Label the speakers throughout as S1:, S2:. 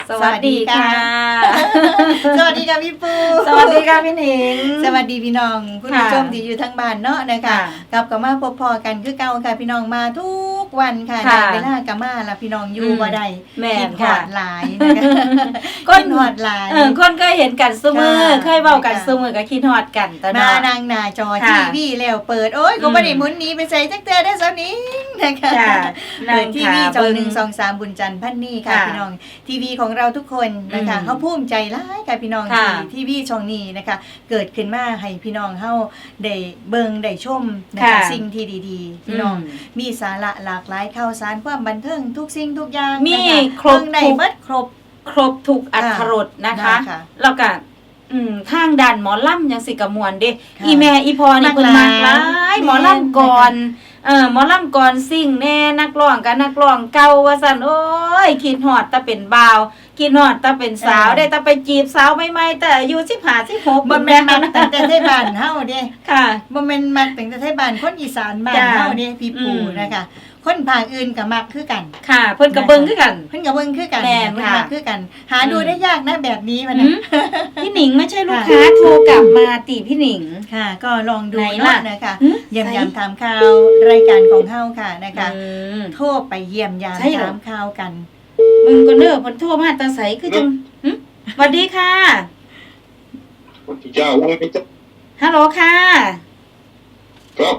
S1: สวัสดีค่ะ
S2: สวัสดีค่ะพี่ปู
S1: สวัสดีค่ะพี่หนิง
S2: สวัสดีพี่น้องคุณผู้ชมที่อยู่ทั้งบ้านเนาะนะคะกลับมาพบพอกันคือเก่าค่ะพี่น้องมาทุกวันค่ะในเวลากะมาละพี่น้องอยู่บ่ได้คิดฮอดหลายนะคะคิดฮอดหลาย
S1: คนเคยเห็นกันซุมื้อเคยเว้ากันซุมื้อก็คิดฮอดกันตอน
S2: มานางหน้าจอทีวีแล้วเปิดโอ๊ยก็บ่ได้หมุนหนีไปใส่จักเทื่อได้ซะนี้นะคะเปิดทีวีจอ1 2 3บุญจันทร์พันนี่ค่ะพี่น้องทีวีของเราทุกคนนะคะเฮาภูมิใจหลายค่ะพี่น้องที่ทีวีช่องนี้นะคะเกิดขึ้นมาให้พี่น้องเฮาได้เบิ่งได้ชมนะคะสิ่งที่ดีๆพี่น้องมีสาระหลากหลายข่าวสารความบันเทิงทุกสิ่งทุกอย่าง
S1: มีครบ
S2: ได้หมด
S1: ครบทุกอรรถรสนะคะแล้วก็ทางด้านหมอลำยังสิกะมวนเด้อีแม่อีพอนี่เพิ่นมักหลายหมอลำก่อนหมอลำก่อนสิ่งแน่นักร้องกับนักร้องเก่าว่าซั่นโอ้ยคิดฮอดแต่เป็นบ่าวคิดฮอดแต่เป็นสาวได้แต่ไปจีบสาวใหม่ๆแต่อายุ15 16
S2: บ่แม่นมักตั้งแต่ไทบ้านเฮาเด้
S1: ค่ะ
S2: บ่แม่นมักตั้งแต่ไทบ้านคนอีสานบ้านเฮาเด้พี่ปู่นะคะคนภาคอื่นก็มักคือกัน
S1: ค่ะเพิ่นก็เบิ่งคือกัน
S2: เพิ่นก็เบิ่งคือกันเพิ่นมักคือกันหาดูได้ยากนะแบบนี้มัน
S1: พี่หนิงไม่ใช่ลูกค้าโทรกลับมาติพี่หนิง
S2: ค่ะก็ลองดูเนาะนะคะเยี่ยมยามถามข่าวรายการของเฮาค่ะนะคะโทรไปเยี่ยมยามถามข่าวกัน
S1: มึงก็เด้อเพิ่นโทรมาตาใสคือจังสวัสดีค่ะ
S3: สวัสดีเจ้าว่าไงจ๊ะ
S1: ฮัลโหลค่ะ
S3: ครับ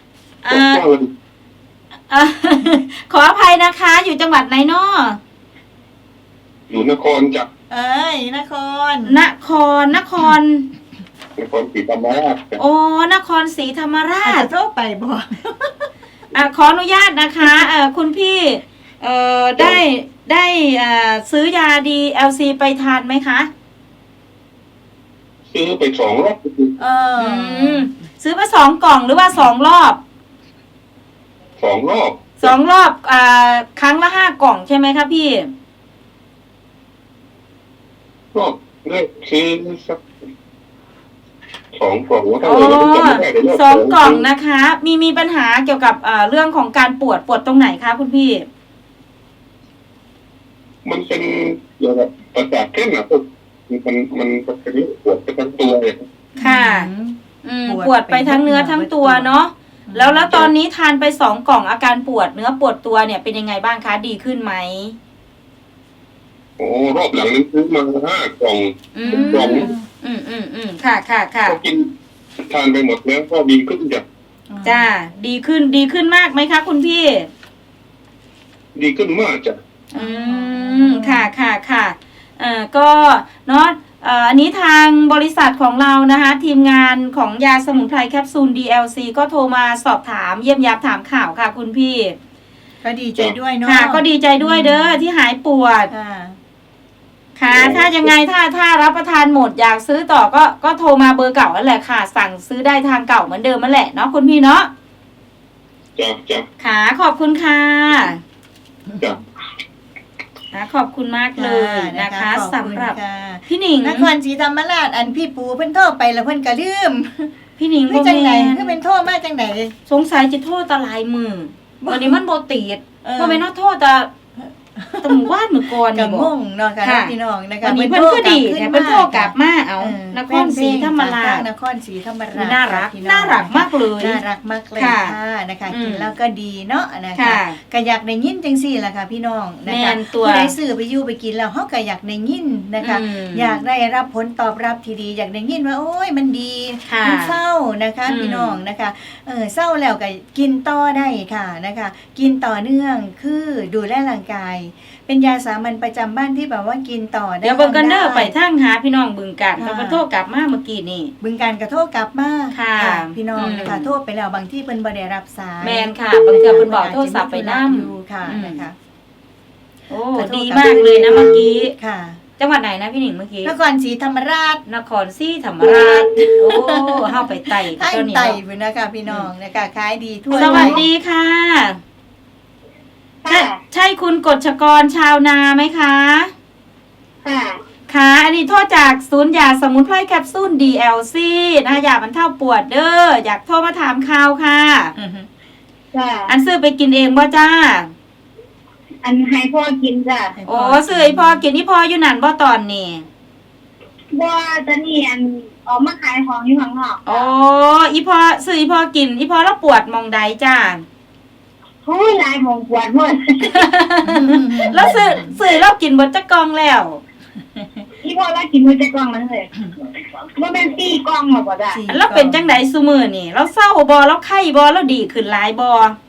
S1: ขออภัยนะคะอยู่จังหวัดไหนเนาะ
S3: อยู่นครจ้ะ
S2: นคร
S3: ศรีธรรมราช
S1: โอ้นครศรีธรรมราช
S2: โทรไปบ่
S1: ขออนุญาตนะคะคุณพี่ได้ซื้อยา DLC ไปทานไหมคะ
S3: ซื้อไป2 รอบ
S1: ซื้อมา2 กล่องหรือว่า2 รอบ
S3: 2 รอบ
S1: 2 รอบครั้งละ5 กล่องใช่ไหมคะพี่
S3: รอบแรกคือสัก2 กล่องว่าเท่าไหร่
S1: 2 กล่องนะคะมีปัญหาเกี่ยวกับเรื่องของการปวดตรงไหนคะคุณพี่
S3: มันเป็นเกี่ยวกับประสาทแข้งอ่ะมันเป็นปวดไปทั้งตัวเลย
S1: ค่ะปวดไปทั้งเนื้อทั้งตัวเนาะแล้วตอนนี้ทานไป2 กล่องอาการปวดเนื้อปวดตัวเนี่ยเป็นยังไงบ้างคะดีขึ้นไหม
S3: โอ้รอบหลังนั้นซื้อมา5 กล่อง
S1: ค่ะ
S3: ก็กินทานไปหมดแล้วก็ดีขึ้น
S1: จ้าดีขึ้นมากไหมคะคุณพี่
S3: ดีขึ้นมากจ้ะ
S1: ค่ะก็เนาะอันนี้ทางบริษัทของเรานะคะทีมงานของยาสมุนไพรแคปซูล DLC ก็โทรมาสอบถามเยี่ยมยามถามข่าวค่ะคุณพี่
S2: ก็ดีใจด้วยเนาะ
S1: ค่ะก็ดีใจด้วยเด้อที่หายปวดค่ะถ้ายังไงถ้ารับประทานหมดอยากซื้อต่อก็โทรมาเบอร์เก่านั่นแหละค่ะสั่งซื้อได้ทางเก่าเหมือนเดิมนั่นแหละเนาะคุณพี่เนาะ
S3: จ้ะ
S1: ค่ะขอบคุณค่ะ
S3: จ้ะ
S1: ขอบคุณมากเลยนะคะสำหรับพี่หนิง
S2: นครศรีธรรมราชอันพี่ปูเพิ่นโทรไปแล้วเพิ่นก็ลืม
S1: พี่หนิง
S2: บ่จังได๋คือเป็นโทรมาจังได๋
S1: สงสัยจะโทรตะลายมือวันนี้มันบ่ติดบ่แม่นโทรแต่หมู่บ้านมื้อก่อน
S2: นี่บ่งงเนาะค่ะพี่น้องนะคะ
S1: วันนี้เพิ่นก็ดีแต่เพิ่นโทรกลับมาเอานครศรีธรรมราชน่ารักมากเลย
S2: น่ารักมากเลยค่ะนะคะกินแล้วก็ดีเนาะนะคะก็อยากได้ยินจังซี่ล่ะค่ะพี่น้องนะคะผู้ใดซื้อไปอยู่ไปกินแล้วเฮาก็อยากได้ยินนะคะอยากได้รับผลตอบรับที่ดีอยากได้ยินว่าโอ้ยมันดีมันเศร้านะคะพี่น้องนะคะเศร้าแล้วก็กินต่อได้ค่ะนะคะกินต่อเนื่องคือดูแลร่างกายเป็นยาสามัญประจำบ้านที่แบบว่ากินต่อได้
S1: เดี๋ยวเบิ่งกันเด้อไปทางหาพี่น้องบึงกาฬก็โทรกลับมาเมื่อกี้นี่
S2: บึงกาฬก็โทรกลับมา
S1: ค่ะ
S2: พี่น้องนะคะโทรไปแล้วบางที่เพิ่นบ่ได้รับสาย
S1: แม่นค่ะบางเทื่อเพิ่นบอกโทรศัพท์ไปนำ
S2: อยู่ค่ะนะคะ
S1: โอ้ดีมากเลยนะเมื่อกี้
S2: ค่ะ
S1: จังหวัดไหนนะพี่หนิงเมื่อกี้
S2: นครศรีธรรมราช
S1: โอ้เฮาไปไต่
S2: เจ้านี่ไต่พุ่นนะคะพี่น้องนะคะขายดีทั่ว
S1: สวัสดีค่ะใช่คุณกฎชกรชาวนาไหมคะค่ะอันนี้โทษจากศูนย์ยาสมุนไพรแคปซูล DLC นะคะยาบรรเทาปวดเด้ออยากโทรมาถามข่าวค่ะอันซื้อไปกินเองบ่จ้า
S4: อันให้พ่อกินจ้ะ
S1: โอ้ซื้ออีพอกินอีพออยู่นั่นบ่ตอนนี้
S4: บ่ตอนนี้อันออกมาขายของอยู่ข้างนอก
S1: โอ้อีพอซื้ออีพอกินอีพอแล้วปวดมองใดจ้า
S4: โอ้ยหลายหมองปวดหมด
S1: แล้วซื้อแล้วกินเบิดจักกล่องแล้ว
S4: อีพ่อว่ากินมื้อจะกล่องมันเลยบ่แม่น4กล่องหรอกบ่จ้ะ
S1: แล้วเป็นจังไดซุมื้อนี่เราเศร้าบ่เราไข้บ่เราดีขึ้นหลายบ่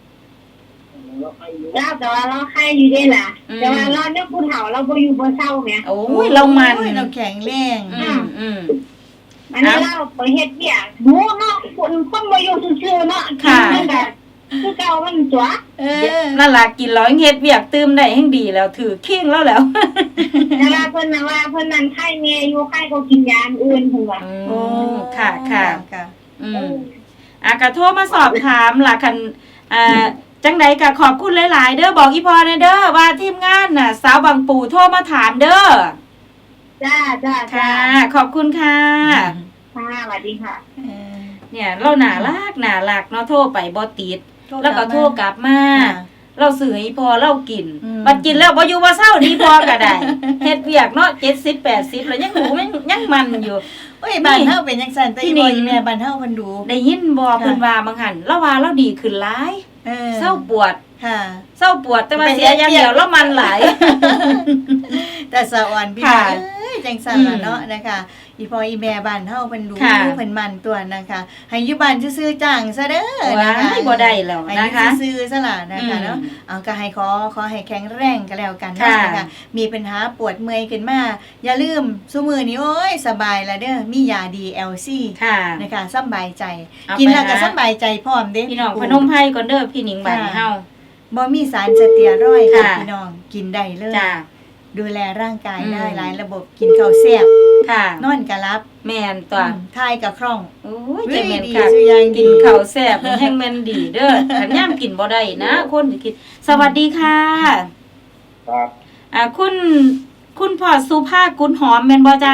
S4: แล้วแต่ว่าเราไข้อยู่ได้ล่ะแต่ว่าเราเนี่ยผู้เฒ่าเราบ่อยู่บ่เศร้าแหม
S1: โอ้ยเรามัน
S2: โอ้ยเราแข็งแรง
S4: อันนี้เราไปเฮ็ดเวียกหนูเนาะคนบ่อยู่ซื่อๆเนาะกินมันก็คือเก่ามันตัว
S1: นั่นล่ะกินแล้วเฮ็ดเวียกตื่มได้แฮงดีแล้วถือเข่งแล้วแล้ว
S4: แต่ว่าเพิ่นน่ะว่าเพิ่นนั่นไข้แม่อยู่ไข้ก็กินยาอื่นเพิ่นว่า
S2: โอ้
S1: ค่ะค่ะ
S2: ค่ะ
S1: ก็โทรมาสอบถามล่ะคันจังใดก็ขอบคุณหลายๆเด้อบอกอีพอแน่เด้อว่าทีมงานน่ะสาวบางปู่โทรมาถามเด้อ
S4: จ้า
S1: ค่ะ ขอบคุณค่ะ
S4: ค่ะสวัสดีค่ะ
S1: เนี่ยเราหนาลักเนาะโทรไปบ่ติดแล้วก็โทรกลับมา เราซื้อให้พอเรากินบัดกินแล้วบ่อยู่บ่เศร้าดีพอก็ได้ เฮ็ดเวียกเนาะ70 80แล้วยังหูยังมันอยู่
S2: โอ้ยบ้านเฮาเป็นจังซั่นแต่อีบ่อีแม่บ้านเฮาเพิ่นดู
S1: ได้ยินบ่เพิ่นว่าบางหันเราว่าเราดีขึ้นหลายเศร้าปวด
S2: ค่ะ
S1: เศร้าปวดแต่ว่าเสียอย่างเดียวแล้วมันหลาย
S2: แต่สะอ่อนพี่น้องเอ้ยจังซั่นล่ะเนาะนะคะอีพ่ออีแม่บ้านเฮาเพิ่นดูเพิ่นมันตัวนะคะให้อยู่บ้านซื่อๆจ้างซะเด้อนะคะ
S1: ให้บ่ได้แล้ว
S2: ให้
S1: นะคะ
S2: ซื่อๆซะล่ะนะคะเนาะเอาก็ให้ขอให้แข็งแรงก็แล้วกันนะคะมีปัญหาปวดเมื่อยขึ้นมาอย่าลืมซุมื้อนี้โอ้ยสบายละเด้อมียา DLC
S1: ค่ะ
S2: นะคะสบายใจกินแล้วก็สบายใจพร้อมเด้
S1: พี่น้องพนมไพรก่อนเด้อพี่หนิงบ้านเฮา
S2: บ่มีสารสเตียรอยด์ค่ะพี่น้องกินได้เลย
S1: จ้า
S2: ดูแลร่างกายได้หลายระบบกินข้าวแซ่บ
S1: ค่ะ
S2: นอนก็รับ
S1: แม่นตัว
S2: ทายก็คล่อง
S1: โอ้ยใจแม่น
S2: ดี
S1: ค่ะ
S2: สุดยอด
S1: กินข้าวแซ่บนี่แห้งแม่นดีเด้อคันยามกินบ่ได้นะคนสิคิดสวัสดีค่ะ
S3: ครับ
S1: คุณพ่อสุภากุลหอมแม่นบ่จ้า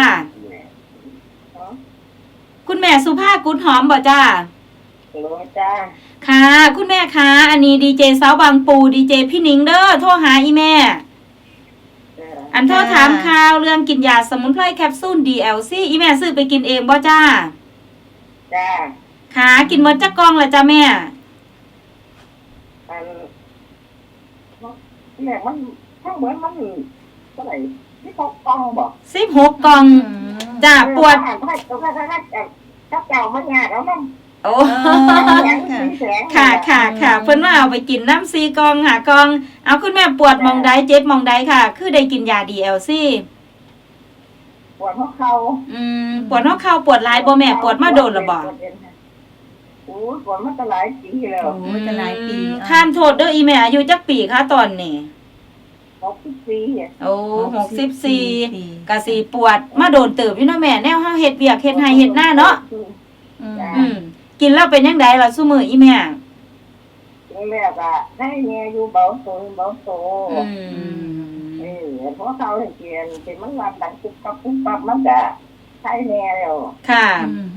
S1: คุณแม่สุภากุลหอมบ่จ้า
S4: ฮัลโหลจ้า
S1: ค่ะ คุณแม่คะอันนี้ดีเจสาวบางปูดีเจพี่หนิงเด้อโทรหาอีแม่ อันโทรถามข่าวเรื่องกินยาสมุนไพรแคปซูล DLC อีแม่ซื้อไปกินเองบ่จ้า
S4: จ้า
S1: ค่ะกินหมดจักกล่องละจ้าแม่
S4: แม่มันทั้งเหมือนมันเท่าไหร่ที่เขากองบอก
S1: 16กล่องจ้าปวด
S4: ถ้าเก่ามันงาแล้วมัน
S1: โอ้
S2: ค่ะ
S1: ค่ะเพิ่นว่าเอาไปกินน้ำซีกล่องหากล่องเอาคุณแม่ปวดมองใดเจ็บมองใดค่ะ คือได้กินยา DLC
S4: ปวดหัวเข่า
S1: ปวดหัวเข่าปวดหลายบ่แม่ปวดมาโดนละบ่
S4: โอ้ปวดมาตั้งหลายปีแล้ว
S2: โอ้จะหลายปี
S1: ท่านโทษเด้ออีแม่อายุจักปีคะตอนนี้
S4: 64
S1: โอ้64ก็สิปวดมาโดนเติบอยู่เนาะแม่แนวเฮาเฮ็ดเวียกเฮ็ดไร่เฮ็ดนาเนาะกินแล้วเป็นจังไดล่ะซุมื้ออีแม่
S4: แม่ก็ให้แม่อยู่เบาโตเพราะเขาเขียนเป็นมันรับดังปุ๊บปั๊บมันก็ใช้แม่แล้ว
S1: ค่ะ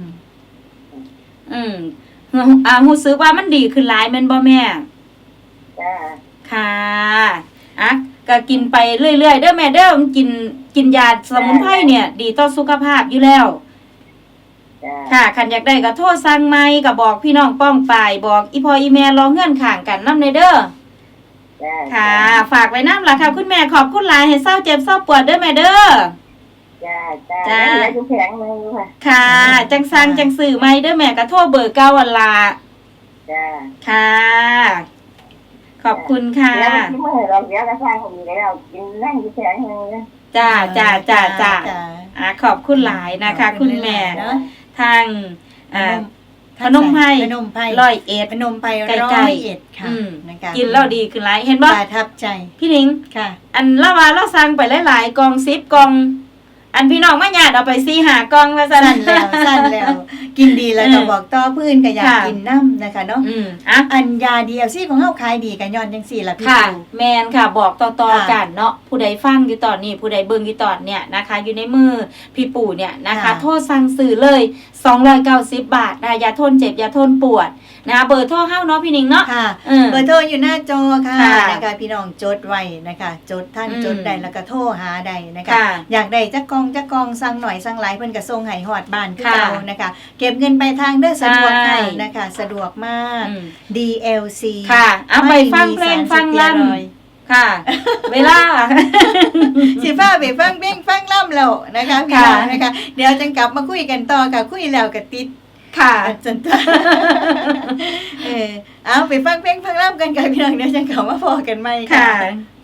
S1: รู้สึกว่ามันดีขึ้นหลายแม่นบ่แม่
S4: จ้า
S1: ค่ะก็กินไปเรื่อยๆเด้อแม่เด้อกินยาสมุนไพรเนี่ย ดีต่อสุขภาพอยู่แล้วค่ะคันอยากได้ก็โทรสั่งใหม่ก็บอกพี่น้องป้องปายบอกอีพ่ออีแม่รอเงื่อนข้างกันนำเด้อค่ะ ฝากไว้นำล่ะค่ะคุณแม่ขอบคุณหลายให้เศร้าเจ็บเศร้าปวดเด้อแม่เด้อจ้า
S4: อยู่แผงนึงค่ะ
S1: ค่ะจังสั่งจังซื้อใหม่เด้อแม่ก็โทรเบอร์9วันละ
S4: จ้า
S1: ค่ะ ขอบคุณค่ะ
S4: แล้วที่เมื่อเราเสียกระซังอยู่แล้วกินนั่งอยู่แผงนึง
S1: จ้าขอบคุณหลายนะคะ คุณแม่ทางพนมไพร101
S2: พนมไพร
S1: ใกล้ๆ
S2: 101ค่ะนะคะ
S1: กินแล้วดีขึ้นหลายเห็นบ่
S2: ประทับใจ
S1: พี่หนิง
S2: ค่ะ
S1: อันละว่าเราสั่งไปหลายๆกล่อง10กล่องอันพี่น้องมาญาติเอาไป4-5กล่องว่าซั่น
S2: สั้นแล้วกินดีแล้วก็บอกต่อพื้นก็อยากกินน้ำนะคะเนาะอันยา DLC ของเฮาขายดีกันย้อนจังซี่ล่ะพี่
S1: ค่ะแมนค่ะบอกต่อๆกันเนาะผู้ใดฟังอยู่ตอนนี้ผู้ใดเบิ่งอยู่ตอนเนี่ยนะคะอยู่ในมือพี่ปู่เนี่ยนะคะโทษสั่งซื้อเลย290 บาทนะยาทนเจ็บยาทนปวดนะคะเบอร์โทรเฮาเนาะพี่หนิงเนาะ
S2: ค่ะ เบอร์โทรอยู่หน้าจอค่ะนะคะพี่น้องจดไว้นะคะจดท่านจดได้แล้วก็โทรหาได้นะคะอยากได้จักกองสั่งหน่อยสั่งหลายเพิ่นก็ส่งให้ฮอดบ้านคือเก่านะคะเก็บเงินปลายทางเด้อสะดวกค่ะนะคะสะดวกมาก DLC
S1: ค่ะเอาไปฟังเพลงฟังลำค่ะ เวลา
S2: สิฟ้าไปฟังเพลงฟังล่ำแล้วนะคะพี่น้องนะคะเดี๋ยวจังกลับมาคุยกันต่อค่ะคุยแล้วก็ติด
S1: ค่ะ
S2: จันตาเอาไปฟังเพลงฟังล่ำกันค่ะพี่น้องเดี๋ยวจังกลับมาพอกันใหม่ค่ะ